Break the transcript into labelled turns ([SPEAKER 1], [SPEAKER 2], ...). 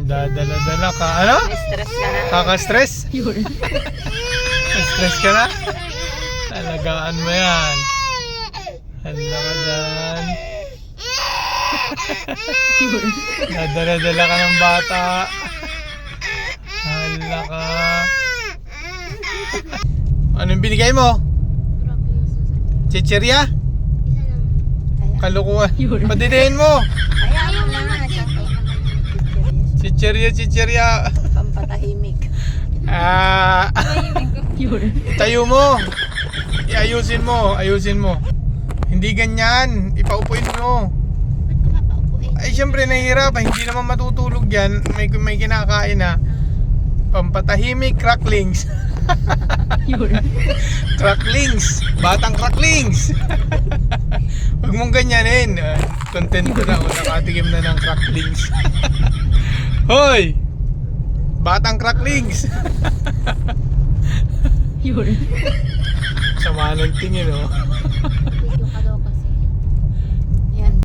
[SPEAKER 1] Dadala-dala ka. Ano?
[SPEAKER 2] Stress ka na.
[SPEAKER 1] Kaka-stress? Stress ka na? Talagaan mo yan. Hala ka dyan. Dadala-dala ka ng bata. Hala ka. Anong binigay mo? Chichirya? Kalukuhan. Padidihin mo.
[SPEAKER 2] Ayaw na nga.
[SPEAKER 1] Chichirya.
[SPEAKER 2] Pampatahimik.
[SPEAKER 1] Tayo mo. Ayusin mo. Hindi ganyan. Ipaupuin mo.
[SPEAKER 3] Ba't ko papaupuin?
[SPEAKER 1] Ay, syempre nahihirapan. Hindi naman matutulog yan. May kinakain na. Pampatahimik, cracklings. Cracklings. Batang cracklings. Huwag mong ganyanin. Contento na ako. Nakatikim na ng cracklings. Hoy! Batang cracklings. Sama ng tingin, oh.